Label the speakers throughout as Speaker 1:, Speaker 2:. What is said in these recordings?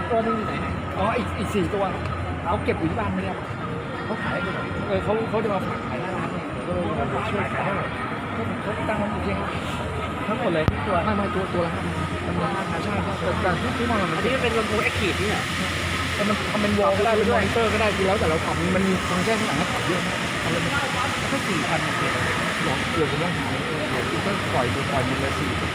Speaker 1: ตัวนึงอยู่ไหนอ๋ออีก4 ตัวเราเก็บอยู่ที่บ้านไม่ได้เขาขายเขาจะมาฝากขายหน้าร้านเนี่ยก็เลยมาช่วยขายเขาตั้งมันอยู่ที่ทั้งหมดเลยตัวไม่ตัวละ5,000ใช่ครับแต่ที่มองมันที่เป็นลำโพงแอคทีฟนี่แหละแต่มันทำเป็นวอลก็ได้เป็นมอนิเตอร์ก็ได้คือแล้วแต่เราทำมันมีฟังก์ชันข้างหลังให้ปรับเยอะทำเลยแค่4,000เกือบจะต้องหายก็ปล่อยมันเลย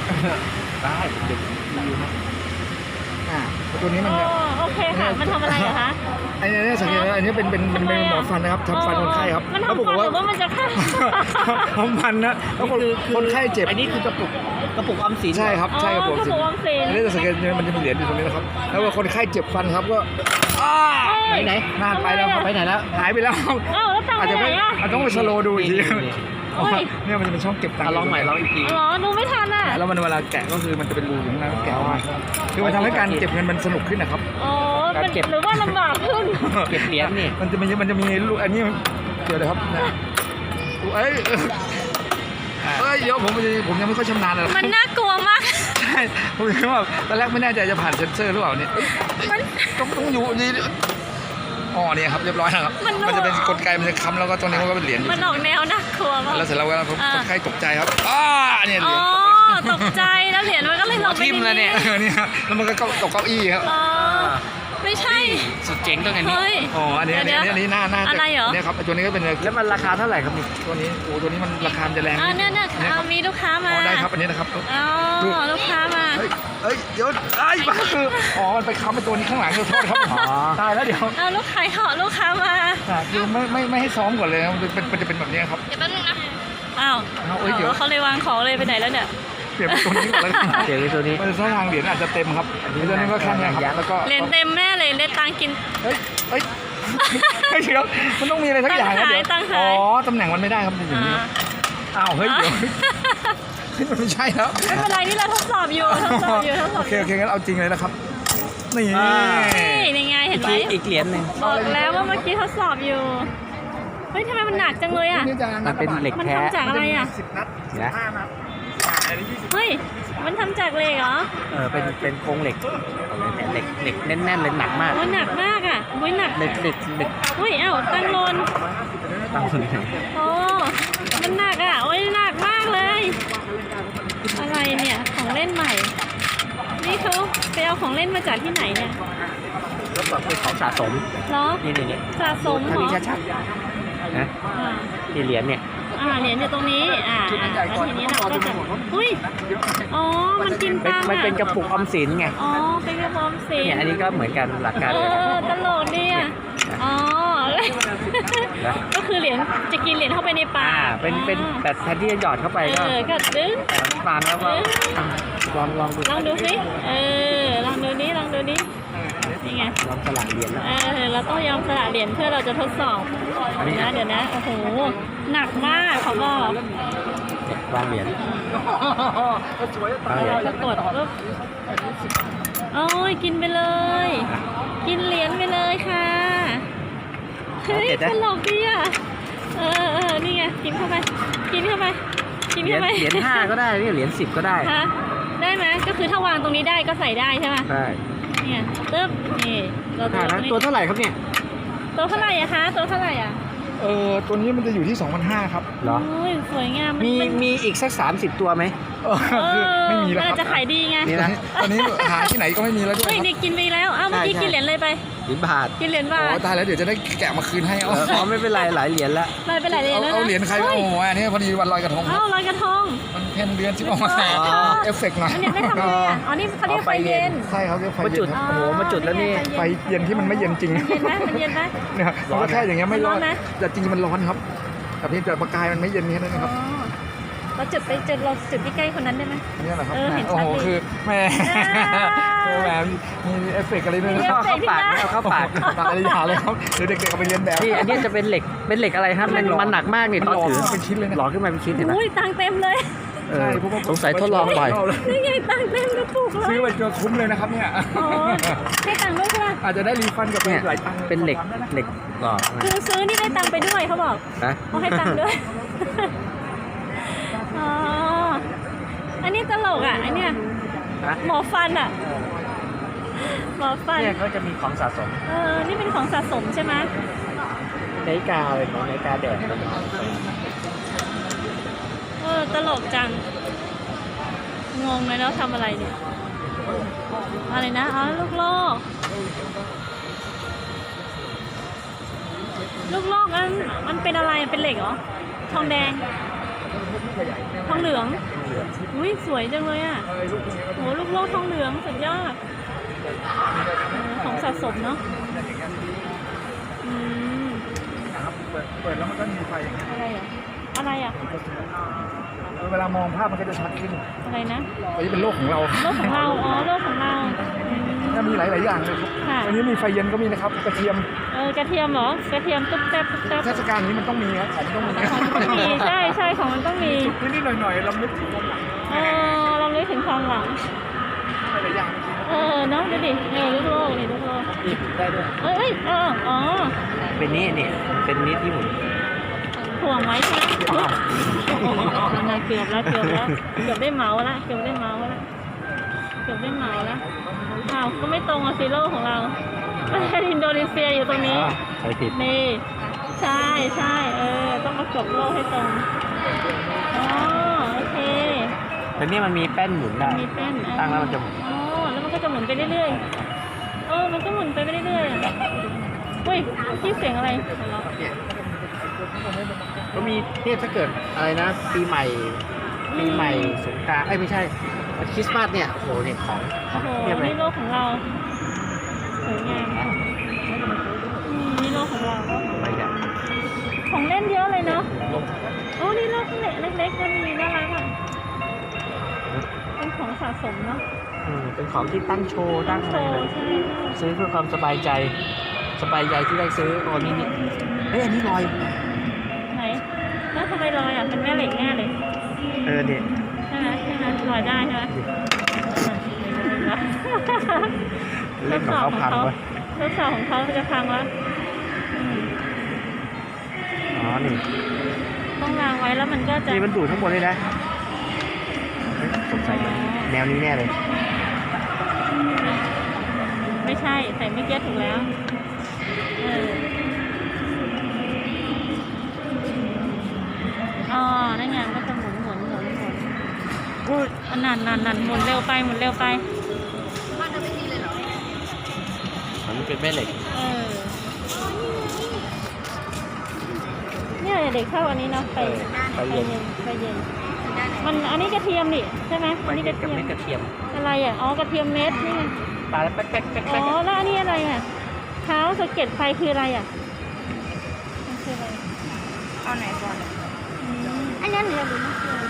Speaker 1: 4ได้เด็กดีนะตัวนี้มัน
Speaker 2: โอเคค่ะมันทำอะไรอะคะ
Speaker 1: อันนี้สังเกตว่าอันนี้เป็นหมอฟันนะครับทำฟันคนไข้ครับ
Speaker 2: มันทำฟันหรือว่ามันจะฆ่า
Speaker 1: ทำฟันนะแล้วคนไข้เจ็บ
Speaker 3: อันนี้คือกระปุกออมสิน
Speaker 1: ใช่ครับใช่กระปุกออมสินอันนี้สังเกตมันจะมีเหรียญอยู่ตรงนี้นะครับแล้วว่าคนไข้เจ็บฟันครับก็
Speaker 3: ไหน
Speaker 1: นานไปแล้วไปไหนแล้วหายไปแล้วอาจจะไม่ต้องไปสโลดูอีกทีเนี่ยมันจะเป็นช่องเก็บตังค์
Speaker 3: ลองใหม่ลองอีกที
Speaker 2: อ๋อดูไม่ทันอ่ะ
Speaker 1: แล้วมันเวลาแกะก็คือมันจะเป็นรูอยู่ข้างในแกะออกมาคือมันทำให้การเก็บเงินมันสนุกขึ้นนะครับ
Speaker 2: การเก็บหรือว่าลำบากขึ้น
Speaker 3: เก็บเหรียญนี่
Speaker 1: มันจะมีลูกอันนี้เดี๋ยวเลยครับเดี๋ยวผมยังไม่ค่อยชำนาญเลย
Speaker 2: มันน่ากลัวมาก
Speaker 1: ใช่ผมคิดว่าตอนแรกไม่แน่ใจจะผ่านเซ็นเซอร์หรือเปล่าเนี่ยต้องอยู่นี่เนี่ยครับเรียบร้อยแล้วครับมันจะเป็นกลไกมันจะค้ำแล้วก็ตรงนี้มันก็เป็นเหรียญ
Speaker 2: มันออกแนวน่ากลัวมาก
Speaker 1: แล้วเสร็จแล้วคนไข้ตกใจครับเนี่ยเหรียญ
Speaker 2: ตกใจแล้วเหรียญมันก็เลยลงไป
Speaker 1: ทิ่มแล้วเนี่ยแล้วมันก็ตกเก้าอี้ครับ
Speaker 2: ไม่ใช่
Speaker 3: สุดเจ๋งตรงนี้
Speaker 1: อันนี้หน้า
Speaker 2: อะไรเหรอ
Speaker 1: เนี่ยครับตัวนี้ก็เป็น
Speaker 3: แล้วมันราคาเท่าไหร่ครับนี่
Speaker 1: ตัวนี้มันราคาจะแรง
Speaker 2: เนี่ยมีลูกค้ามา
Speaker 1: ได้ครับอันนี้นะครับ
Speaker 2: ลูกค้ามา
Speaker 1: เดี๋ยวคือมันไปค้ำไปตัวนี้ข้างหลังโทษครับตายแล้วเดี๋ยว
Speaker 2: ลูกค้ามา
Speaker 1: คือไม่ให้ซ้อมก่อนเลยมันจะเป็นแบบนี้ครับ
Speaker 2: เดี๋ยวแป๊บนึงนะเดี๋ยวเขาเลยวางของเลยไปไหนแล้วเนี่ย
Speaker 1: เปลี่ยนตัวนี้ก่อนเลย
Speaker 3: เปลี่ยนตัวนี้
Speaker 1: มันช่องทางเหรียญอาจจะเต็มครับตัวนี้ก็แค่นี้ครับแล้วก็
Speaker 2: เหรียญเต็มแน่เลยได้ตังกิน
Speaker 1: เดี๋ยวมันต้องมีอะไรสักอย่างนะเดี๋ยวตำแหน่งมันไม่ได้ครับอย่างนี้เฮ้ยเดี๋ยวมันไม่ใช่แล้ว
Speaker 2: ไม่เป็นไรนี่เราทดสอบอยู่
Speaker 1: โอเคงั้นเอาจริงเลยนะครับ
Speaker 2: นี่ไงเห็นไหม
Speaker 3: อีกเหรียญนึง
Speaker 2: บอกแล้วว่าเมื่อกี้ทดสอบอยู่เฮ้ยทำไมมันหนักจังเลยอ่ะ
Speaker 3: มันเป็นเหล็กแท้
Speaker 2: มันทำจากอะไรอ่ะ
Speaker 1: 10 นัด 15 นัด
Speaker 2: เฮ้ยมันทำจากเหล็กเหรอ
Speaker 3: เป็นโครงเหล็กแน่นๆเลยหนักมาก
Speaker 2: หนักมากอ่ะหนัก
Speaker 3: เหล็ก
Speaker 2: เฮ้ยตั้งโลนมันหนักอ่ะหนักมากเลยอะไรเนี่ยของเล่นใหม่นี่เขาไปเอาของเล่นมาจากที่ไหนเนี่ย
Speaker 3: ก็แบบเป็นของสะสม
Speaker 2: เหรอ
Speaker 3: นี่
Speaker 2: สะสมเหรอ
Speaker 3: ชัดๆนะที่เหรียญเนี่ย
Speaker 2: เหรียญอยู่ตรงนี้แล้วทีนี้เราก็จะมันกินตังค์
Speaker 3: มันเป็นกระปุกออมสินไง
Speaker 2: เป็นกระปุกออมสิน
Speaker 3: เนี่ยอันนี้ก็เหมือนกันหลักการ
Speaker 2: ตลกดีอ่ะก็คือเหรียญจะกินเหรียญเข้าไปในปาก
Speaker 3: เป็นแต่แทนที่จะหยอดเข้าไป
Speaker 2: ก็ดึง
Speaker 3: ปานแล้วก็ลอง
Speaker 2: ดูสิลองดูนี้นี่ไง
Speaker 3: ลองสลักเหรียญ
Speaker 2: เราต้องยอมสละเหรียญเพื่อเราจะทดสอบเดี๋ยวนะโอ้โหหนักมากเขาบอก
Speaker 3: วางเหรียญ
Speaker 2: จะกดปุ๊บกินไปเลยกินเหรียญไปเลยค่ะเฮ้ยตลกดีอ่ะนี่ไงกินเข้าไป
Speaker 3: เหรียญ5ก็ได้เหรียญ10ก็ได้
Speaker 2: ได้ไหมก็คือถ้าวางตรงนี้ได้ก็ใส่ได้ใช่ไหม
Speaker 3: ได้
Speaker 2: เนี่ยตึ๊บนี่
Speaker 3: ตัวเท่าไหร่ครับเนี่ย
Speaker 2: ตัวเท่าไหร่อะคะตัวเท่าไหร่อะ
Speaker 1: ตัวนี้มันจะอยู่ที่ 2,500 ครับ
Speaker 3: เหรอ
Speaker 2: สวยงาม
Speaker 3: มีอีกสัก30 ตัวไหม
Speaker 1: ไม่มีแล้วครับ
Speaker 2: จะขายดีไง
Speaker 1: ตอนนี้หาที่ไหนก็ไม่มีแล้วด้วย
Speaker 2: เด็กกินไปแล้วเมื่อกี้กินเหรียญเลยไป
Speaker 3: เหรียญบาท
Speaker 2: กินเหรียญบาท
Speaker 1: ตายแล้วเดี๋ยวจะได้แกะมาคืนให้
Speaker 3: ไม่เป็นไรหลายเหรียญละ
Speaker 2: เป็นหลายเหรียญแล้ว
Speaker 1: เอาเหรียญใครอันนี้พอดีวันลอยกระทง
Speaker 2: ลอยกระทง
Speaker 1: มันเพ็ญเดือนที่ออกมาเอฟเฟกต์หน่อย
Speaker 2: อันนี้ได้ทำอะไรนี่เขาเรียกไฟเย็น
Speaker 1: ใช่เขาเรียกไฟเย็น
Speaker 3: มาจุดแล้วนี่
Speaker 1: ไฟเย็นที่มันไม่เย็นจริง
Speaker 2: เย็นไหม
Speaker 1: เนี่ยร้อนแค่อย่างเงี้ยไม่ร้อนแต่จริงมันร้อนครับแต่เพียงแต่ประกายมันไม่เย็นนี่นะครับ
Speaker 2: เราจุดที่ใกล้คนนั้นได้ไหม
Speaker 1: นี่แหละครับโอ้โหคือแม่มีเอฟเฟกต์อะไรด้วย
Speaker 3: เข้าปาก
Speaker 1: อะไรอย่างเลยครับเดี๋ยวเด็กๆเอาไปเรียนแบบ
Speaker 3: อันนี้จะเป็นเหล็กอะไรครับมันหนักมากนี่ตอนถือ
Speaker 1: เป็นชิ้นเลย
Speaker 3: หล่อขึ้นมาเป็นชิ้นเห็นไหม
Speaker 2: ตังเต็มเลย
Speaker 3: สงสัยทดลองบ่อย
Speaker 2: นี่ไงตังเต็มกระปุกเลย
Speaker 1: ซื้อไปจนคุ้มเลยนะครับเนี่ย
Speaker 2: ให้ตังด้วยใช่ไหม
Speaker 1: อาจจะได้รีฟันกับหลายตัง
Speaker 3: เป็นเหล็กหล่อ
Speaker 2: คือซื้อนี่ได้ตังไปด้วยเขาบอกเขาให้ตังด้วยอันนี้ตลกอันเนี้ยหมอฟันหมอฟัน
Speaker 3: เนี่ยเขาจะมีของสะสม
Speaker 2: นี่เป็นของสะสมใช่ไหม
Speaker 3: นาฬิกาเลยของนาฬิกาแดด
Speaker 2: ตลกจัง งงเลยแล้วทำอะไรเนี่ย อะไรนะ อ๋อ ลูกโลก ลูกโลกมันเป็นอะไร เป็นเหล็กเหรอ ทองแดง ทองเหลือง อุ้ยสวยจังเลยอ่ะโหลูกโลกทองเหลืองสุดยอดของสะสมเนาะอืม
Speaker 1: เปิดแล้วมันก็มีไฟอย่างเงี้ย
Speaker 2: อะไรอ่ะ อะไรอ่ะ
Speaker 1: เวลามองภาพมันก็จะชัดขึ้น
Speaker 2: อะไรนะ
Speaker 1: อันนี้เป็นโลกของเรา
Speaker 2: โลกของเรา อ๋อ โลกของเรา
Speaker 1: ถ้ามีหลาย ๆ อย่างเลยครับ
Speaker 2: ค่ะ
Speaker 1: วันนี้มีไฟเย็นก็มีนะครับ กระเทียม
Speaker 2: กระเทียมเหรอ กระเทียมตุ๊บแต๊บตุ๊บแต๊บ
Speaker 1: เทศกาลนี้มันต้องมีครับของต้องมี
Speaker 2: ของมันต้องมี ใช่ใช่ของมันต้องมี
Speaker 1: นิดๆหน่อย ๆ เรานึกถึงความหลัง
Speaker 2: เราเลยถึงความหลัง
Speaker 1: หลายๆอย่าง
Speaker 2: เนาะดูดิลูกโลกนี่ลูกโลก
Speaker 3: นี่ได้ด้วย
Speaker 2: อ๋อ
Speaker 3: เป็นนี้นี่เป็นนี้ที่หมุน
Speaker 2: ถ่วงไว้ใช่ไหมยังไงเกือบแล้ว เกือบได้เหมาแล้ว เกือบได้เหมาแล้วอ้าวก็ไม่ตรงกับซีโร่ของเราประเทศอินโดนีเซียอยู่ตรงนี้
Speaker 3: ใช่ผิด
Speaker 2: นี่ ใช่ต้องประกบโลกให้ตรง อ๋อ โอเค
Speaker 3: แต่นี่มันมีแป้นหมุนได้
Speaker 2: มีแป้น
Speaker 3: ตั้งแล้วมันจะหมุน
Speaker 2: อ๋อ แล้วมันก็จะหมุนไปเรื่อยๆมันก็หมุนไปเรื่อยๆอุ้ยที่เสียงอะไร
Speaker 3: ก็มีเนี่ยถ้าเกิดอะไรนะ ปีใหม่สงกรานต์ไม่ใช่คริสต์มาสเนี่ยโอ้โหเนี่ยของ
Speaker 2: โอ้โห
Speaker 3: เทียบเลย
Speaker 2: นี่โลกของเราสวยงามนี่โลกของเรา
Speaker 3: อะไรอย่าง
Speaker 2: ของเล่นเยอะเลยเนาะโอ้นี่โลกเล็กๆก็มีน่ารักอ่ะเป็นของสะสมเนาะ
Speaker 3: เป็นของที่ตั้งโชว์ตั้งอะไรเลย
Speaker 2: ใช่
Speaker 3: ซื้อเพื่อความสบายใจที่ได้ซื้อโอ้นี่เฮ้ยอันนี้ลอย
Speaker 2: ไหนแล้วทำไมลอยอ่ะเป็นแม่เหล็กแน่เลย
Speaker 3: เนี่ย
Speaker 2: ใช่ไหมลอยได้ใช่ไหม
Speaker 3: เล่นของเขาพังไป
Speaker 2: ทดสอบของเขาจะพังแล้ว
Speaker 3: อ๋อนี่
Speaker 2: ต้องวางไว้แล้วมันก็จะ
Speaker 3: นี่มันดูดข้างบนเลยนะเฮ้ยสงสัยแนวนี้แน่เลย
Speaker 2: ไม่ใช่ใส่ไม่เก็ตถูกแล้วนั่นไงก็จะหมุนอุ้ยนั่นหมุนเร็วไป
Speaker 3: มันเป็นแม่เหล็ก
Speaker 2: เนี่ยเด็กเข้าอันนี้เนาะไปเย็นมันอันนี้กระเทียมนี่ใช่ไหมอันนี้กระเทียม
Speaker 3: เม็ดกระเทียม
Speaker 2: อะไรอ่ะอ๋อกระเทียมเม็ดนี่ไง
Speaker 3: ปลาแล้วแป๊ก
Speaker 2: อ๋อแล้วอันนี้อะไรอ่ะเท้าสะเก็ดไฟคืออะไรอ่ะมันคืออะไร
Speaker 4: เอาไหนก่อน
Speaker 2: อันนั้นหรืออะไร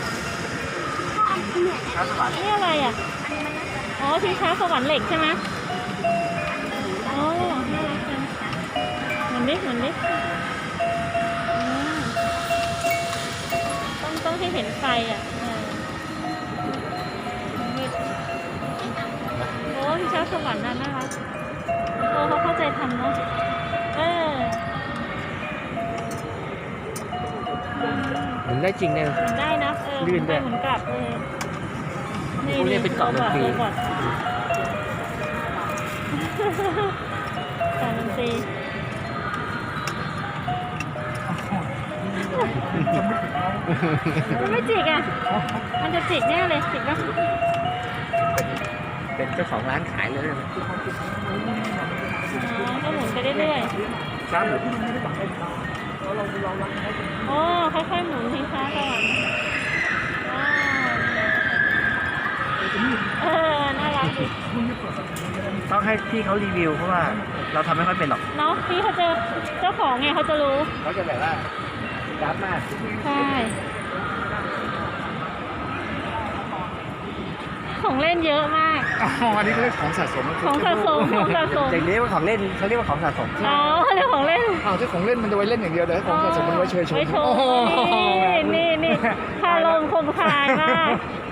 Speaker 2: นี่อะไรอ่ะอ๋อชิงช้าสวรรค์เหล็กใช่ไหมอ๋อน่ารักจังเหมือนดิต้องให้เห็นไฟอ่ะโอ้ชิงช้าสวรรค์น่ารักเขาเข้าใจทำเนาะ
Speaker 3: หมุนได้จริงเนี่ย
Speaker 2: หมุนได้นะ
Speaker 3: ลื่นด้วย
Speaker 2: หมุนกลับ
Speaker 3: นี่เป็นกล่องดนตรี
Speaker 2: กล่องดนตรีมันไม่จิกอ่ะมันจะจิกแน่เลยจิกปะ
Speaker 3: เป็นเจ้าของร้านขายเลยนะ
Speaker 2: ก็หมุนไปเรื่อย
Speaker 3: ครับ
Speaker 2: ๆค่อยๆหมุนทิ้งช้าก่อนน่ารักดิ
Speaker 3: ต้องให้พี่เขารีวิวเพราะว่าเราทำไม่ค่อยเป็นหรอก
Speaker 2: เนาะพี่เขาจะเจ้าของไงเขาจะรู้
Speaker 3: เขาจะแบบว่าดับมาก
Speaker 2: ใช่ของเล่นเยอะมาก
Speaker 1: อันนี้ก็เรียกของสะสม
Speaker 2: ของสะสม
Speaker 3: อย่างนี้ว่าของเล่นเขาเรียกว่าของสะสม
Speaker 2: อ๋อเรื่องของเล่น
Speaker 1: ถ้าของเล่นมันจะไว้เล่นอย่างเดียวแต่ถ้าของสะสมมันไว้เชยชม
Speaker 2: ไว้โชว์นี่คาลมคมคายมาก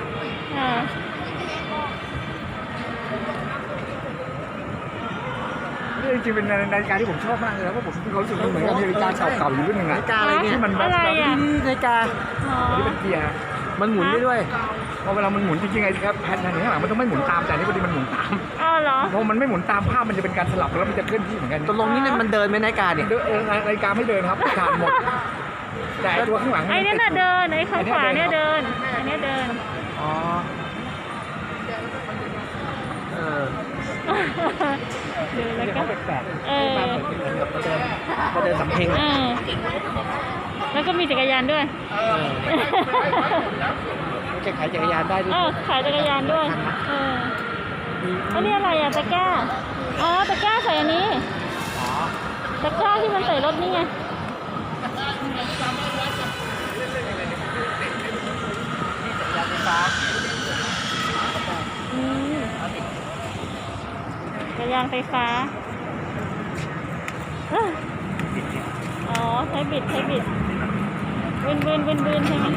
Speaker 1: นี่จริงๆเป็นนาฬิกาที่ผมชอบมากเลยนะเพราะผมมีความรู้สึกเหมือนกับนาฬิกาเก่าๆอยู่รุ่นหนึ่ง
Speaker 3: นาฬิกาอะไรเนี่ย
Speaker 1: ที่มันแบบ
Speaker 2: อะไรอ่ะ
Speaker 3: นี่นาฬิกา
Speaker 1: อันนี้เป็นเกียร์
Speaker 3: มันหมุนได้ด้วย
Speaker 1: พอเวลามันหมุนจริงๆไอ้ครับแผ่นข้างหลังมันต้องไม่หมุนตามแต่อันนี่พอดีมันหมุนตาม
Speaker 2: อ้าวเหรอ
Speaker 1: พอมันไม่หมุนตามภาพมันจะเป็นการสลับแล้วมันจะเคลื่อนที่เหมือนกัน
Speaker 3: ตกลงนี่มันเดินไหมนายการเนี่ย
Speaker 1: รายการไม่เดินครับผ่านหมดแต่ตัวข้างหลัง
Speaker 2: ไอ้เนี่ยน่ะเดินไอ้ข้างขวาเนี่ยเดินอันเนี้ยเดิน
Speaker 3: อ๋อเออ
Speaker 2: เดินแล้ว
Speaker 3: เดี๋ยว
Speaker 2: ก็
Speaker 3: เขาแปลก
Speaker 2: เออ
Speaker 3: ๆมาเหมือนกับมาเดินสำเพ็ง
Speaker 2: เออแล้วก็มีจักรยานด้วย
Speaker 3: จะขายจักรยานได้ด้วย
Speaker 2: ขายจักรยานด้วยอันนี้อะไรอ่ะตะกร้าอ๋อตะกร้าใส่อันนี้
Speaker 3: อ๋อ
Speaker 2: ตะกร้าที่มันใส่รถนี่ไงอืมจักรยานไฟฟ้าอ๋อใช้บิดบืนใช่ไหม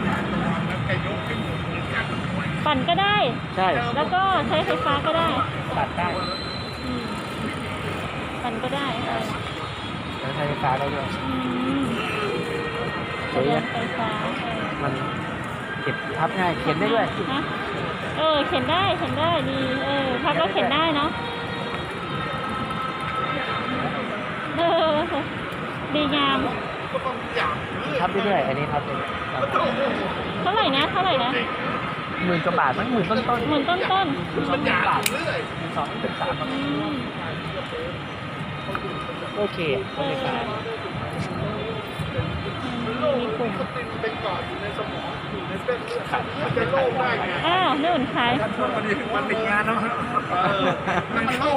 Speaker 2: ปั่นก็ได้
Speaker 3: ใช่
Speaker 2: แล้วก็ใช้ไฟฟ้าก็ได้
Speaker 3: ตัดได้
Speaker 2: อืมปั่นก็ได้
Speaker 3: แล้วใช้ไฟฟ้าได้ด้วย
Speaker 2: จักรยานไฟฟ้า
Speaker 3: มันเก็บพับง่ายเขียนได้ด้วย
Speaker 2: นะเข็นได้ดีพับแล้วเข็นได้เนาะดีงาม
Speaker 3: พับได้ด้วยอันนี้พับได้
Speaker 2: เท่าไหร่นะ
Speaker 3: หมื่นกว่าบาทมั้งหมื่นต้น
Speaker 2: หมื่นต้น
Speaker 3: ๆ2,000 บาท2,300 โอเคไฟฟ้า
Speaker 2: มีปุ่มอ้าวนู่นขาย
Speaker 1: ช่วงวันติดงานเนาะมันเข้า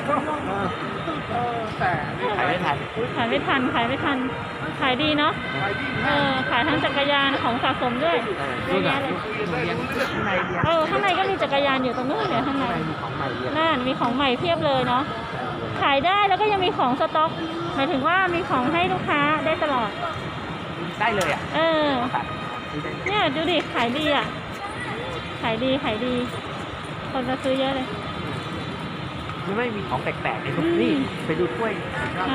Speaker 1: แต่
Speaker 3: ขายไม่ทัน
Speaker 2: ขายไม่ทัน ขายดีเนาะ ขายทั้งจักรยานของสะสมด้วยเย
Speaker 3: นู่
Speaker 2: อะ
Speaker 3: นอ่ะ
Speaker 2: แยะเลย
Speaker 3: หนูเรียนข้างในเรียน
Speaker 2: ข้างในก็มีจักรยานอยู่ตรงนู้นเนี่ยข้างใน
Speaker 3: มีของใหม่เรียน
Speaker 2: นั่นมีของใหม่เพียบเลยเนาะ ขายได้แล้วก็ยังมีของสต็อก หมายถึงว่ามีของให้ลูกค้าได้ตลอด
Speaker 3: ได้เลยอ่ะ ตัด
Speaker 2: เนี่ยดูดิ ขายดีอ่ะ ขายดี คนมาซื้อเยอะเลย
Speaker 3: มันไม่มีของแปลกๆในทุกนี่ไปดูถ้วย
Speaker 2: นะ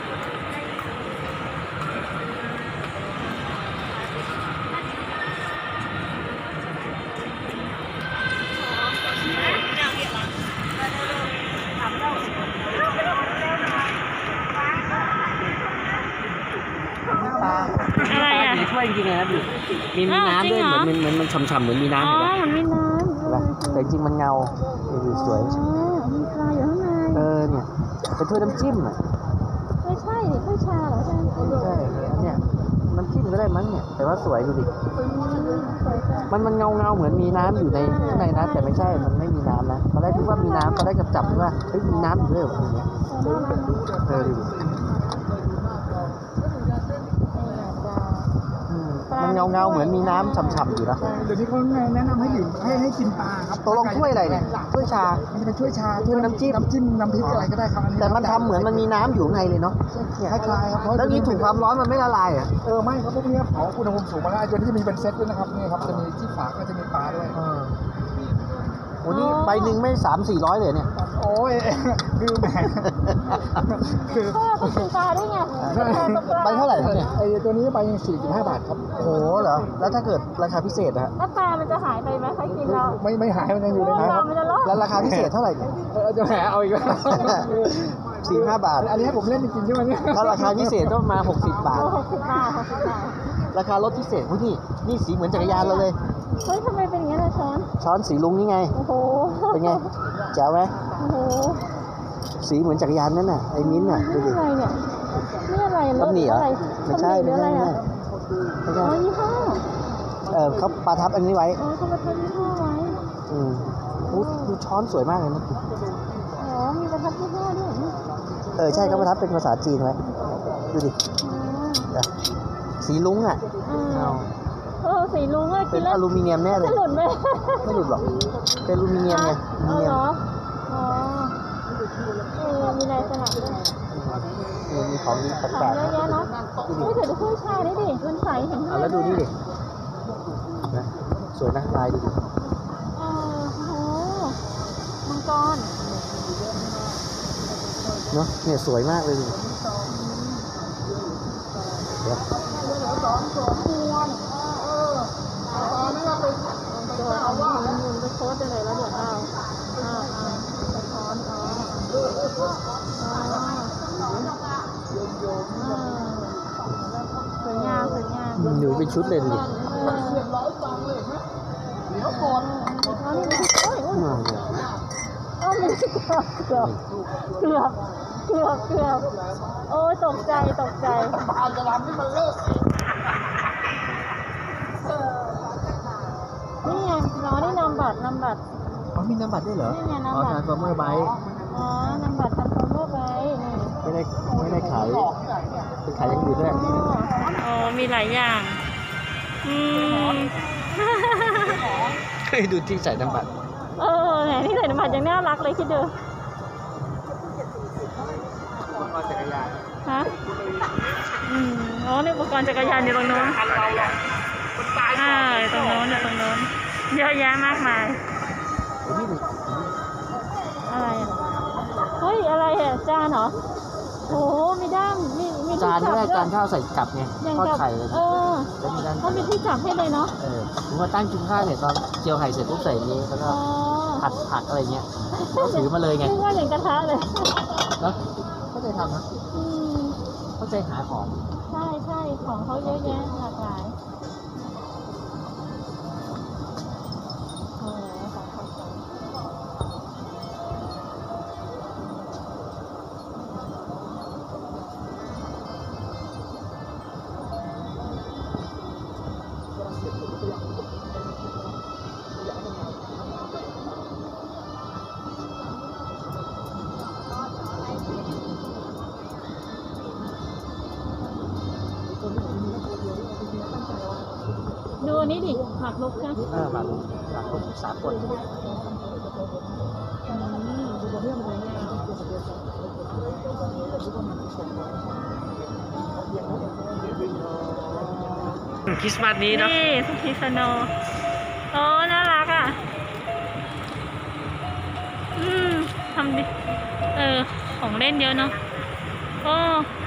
Speaker 3: ปลา
Speaker 2: อะไรอ่ะ
Speaker 3: อยู่ในถ้วยจริงๆเลยนะดูมีน้ำด้วย
Speaker 2: อ้าวจริงเหรอ
Speaker 3: เหมือนมันฉ่ำๆเหมือนมีน้ำ
Speaker 2: อ๋อ
Speaker 3: เห็นไหม
Speaker 2: มันมีน้ำ
Speaker 3: เห็นปะแต่จริงๆมันเงาดูสวย
Speaker 2: มีปลาอยู่ข้างใน
Speaker 3: เนี่ยเป็นถ้วยน้ำจิ้มอ่ะ
Speaker 2: ไม่ใช่ดิถ้วยชาเหรอใช่ไหม
Speaker 3: ใช่เนี่ยน้ำจิ้มก็ได้มั้งเนี่ยแต่ว่าสวยดูดิ
Speaker 2: สวยจัง
Speaker 3: มันเงาเหมือนมีน้ำอยู่ในข้างในนะแต่ไม่ใช่มันไม่มีน้ำนะตอนแรกคิดว่ามีน้ำตอนแรกจับว่าเฮ้ยมีน้ำอยู่ด้วยเหรออย่างเงี้ย
Speaker 2: น่ารักนะ
Speaker 3: ดูดิมันเงาเหมือนมีน้ำฉ่ำๆอยู่นะ
Speaker 1: เดี๋ยวนี้เขาแนะนำให้ดื่มให้กินปลาครับ
Speaker 3: ตกลงถ้วยอะไรเนี่ยถ้วยชา
Speaker 1: มันจะเป็นถ้วยชา
Speaker 3: ถ้วยน้ำจิ้ม
Speaker 1: น้ำพริกอะไรก็ได้ครับอันนี้
Speaker 3: แต่มันทำเหมือนมันมีน้ำอยู่ข้างในเลยเนาะ
Speaker 1: คล้ายๆครับ
Speaker 3: แล้วนี้ถูกความร้อนมันไม่ละลายอ่ะ
Speaker 1: ไม่ครับพวกนี้เผาอุณหภูมิสูงมาแล้วตัวนี้จะมีเป็นเซตด้วยนะครับนี่ครับจะมีที่ฝาก็จะมีปลาด้วย
Speaker 3: โอ้นี่ใบหนึ่งไม่300-400เลยเนี่ย
Speaker 1: โอ้ยคือแหมคือ
Speaker 2: พ่อก็ซื้อปลาด้วยไง
Speaker 3: ใบเท่าไหร่ครับเนี่ย
Speaker 1: ไอ้ตัวนี้ไป45 บาทครับ
Speaker 3: โอ้โหเหรอแล้วถ้าเกิดราคาพิเศษอะฮะ
Speaker 2: แล้วปลามันจะหายไปไหมใครกินแล้ว
Speaker 1: ไม่หายมันยังอยู่ใน
Speaker 2: ป
Speaker 1: นั้น
Speaker 2: ลา
Speaker 1: ครับ
Speaker 2: มันจะรอด
Speaker 3: แล้วราคาพิเศษเท่าไหร่เนี่ย
Speaker 1: จะแหมเอาอีกแล้ว
Speaker 3: 45 บาท
Speaker 1: อันนี้ให้ผมเล่นจริงๆใช่ไหมเนี่ย
Speaker 3: ถ้าราคาพิเศษต้องมา60 บาท
Speaker 2: 60 บาท
Speaker 3: ราคารถพิเศษพวกนี่สีเหมือนจักรยานเราเลย
Speaker 2: เฮ้ยทำไมเป็นอย่างนี้ล่ะช้อน
Speaker 3: ช้อนสีลุงนี่ไง
Speaker 2: โอ้โห
Speaker 3: เป็นไงแจ๋วไหม
Speaker 2: โอ้โห
Speaker 3: สีเหมือนจักรยานนั่นน่ะไอ้มิ้นท์น่ะดู
Speaker 2: นี่
Speaker 3: ดิ
Speaker 2: อะไรเนี่ยนี่อะไรร
Speaker 3: ตำ
Speaker 2: ถ
Speaker 3: หนิเหรอ
Speaker 2: อะไร
Speaker 3: ไม่ใช่
Speaker 2: ตำหนิหรืออะไรอ่ะ
Speaker 3: ไม่ใช่
Speaker 2: อ๋อยี่ห้อ
Speaker 3: เขาประทับอันนี้ไว้
Speaker 2: อ๋อเขามาทำยี่ห้อไว้
Speaker 3: อุ๊ยดูช้อนสวยมากเลยนะ
Speaker 2: อ๋อมีประทับยี่ห้อด้วยนี่
Speaker 3: ใช่เขาประทับเป็นภาษาจีนไว้ดูดิ
Speaker 2: อ๋อ
Speaker 3: สีลุงอ่ะ
Speaker 2: สีลุงอะ
Speaker 3: เป็
Speaker 2: กิ
Speaker 3: น
Speaker 2: นแล้ว
Speaker 3: อลูมิเนียมแน่เลย
Speaker 2: จะหลุดไหม
Speaker 3: ไม่หลุดหรอกเป็นอลูมิเนียมไงอลู
Speaker 2: อ๋อ
Speaker 3: มิเนีย
Speaker 2: เหร
Speaker 3: ม
Speaker 2: อ อ๋อมีลายสลับด้วย
Speaker 3: มีของดี
Speaker 2: ของ
Speaker 3: แปลก
Speaker 2: เยอะแยะเนาะไม่เดี๋ยวดูถ้วยชานี่ดิมันใสเห็น
Speaker 3: ๆแล้วดูนี่ดินะสวยนะลายดูดิ
Speaker 2: โอ้โหมังกร
Speaker 3: เนาะเนี่ยสวยมากเลยดิเดี๋ยว
Speaker 1: ตอนนี้ไป
Speaker 2: ตัวเอาหมุนไปโค้ดไปเลยแล้วเดี๋ยวเอาสะท้อนสวยงามสวยงาม
Speaker 3: หนูเป็นชุดเลยดิ
Speaker 1: เดี๋ยวก่อน
Speaker 2: อ๋อนี่มันโอ้ย
Speaker 3: มากเลย
Speaker 2: อ้าวมันเกือบโอ้ยตกใจ
Speaker 1: บานจะทำให้มันเลิก
Speaker 2: นี่ไงน้องนี่นำบัตร
Speaker 3: อ๋อมีน้ำบัตรด้วยเหรอ
Speaker 2: นี่ไงน้ำ
Speaker 3: อ๋อ
Speaker 2: บัตร
Speaker 3: ทานฟอร์เมอร์ไบค์
Speaker 2: อ๋อนำบัตรทำคอมเมอร์ไปนี่
Speaker 3: ไม่ได้ขายเป็นขายอย่างอื่นด้วย
Speaker 2: อ๋อมีหลายอย่าง
Speaker 3: เคยดูที่ใส่น้ำบัตร
Speaker 2: แหมนี่ใส่น้ำบัตรยังน่ารักเลยคิดดู
Speaker 3: อุปกรณ์จักรยาน
Speaker 2: ฮะอ๋อนี่อุปกรณ์จักรยานอยู่ตรงโน้นตรงโน้นเยอะแยะมากมาย
Speaker 3: โอ้นี่ดิ
Speaker 2: อะไรอ่ะเฮ้ยอะไรอ่ะจานเหรอโอ้มีด้ามมี
Speaker 3: จานด้วย
Speaker 2: ที่
Speaker 3: จา
Speaker 2: จั
Speaker 3: น
Speaker 2: บ
Speaker 3: ข้าวใส่กลับไง
Speaker 2: ยัง
Speaker 3: ทอด
Speaker 2: กับ
Speaker 3: ไข่เลย แล้วมีด้าน
Speaker 2: เขามีที่จับให้เลยเนาะ
Speaker 3: ผมมาตั้งกินข้าวเนี่ยตอนเจียวไข่เสร็จปุ๊บใส่นี้แล้วก็
Speaker 2: อ๋อ
Speaker 3: ผัดผักอะไรเงี้ยก็ถือมาเลยไง
Speaker 2: นึกว่าอย่างกระทะเลย
Speaker 3: แล้วเข้าใจทำนะ
Speaker 2: อืม
Speaker 3: เข้าใจหาของ
Speaker 2: ใช่ของเขาเยอะแยะหลากหลายโอ้ของเขาสวยดูอันนี้ดิหมากรุกนะ
Speaker 3: หลักสากล คริสต์มาสนี้เนาะ
Speaker 2: นี่สกีสโนโอ้น่ารักอ่ะ ทำดิ ของเล่นเยอะเนาะโอ้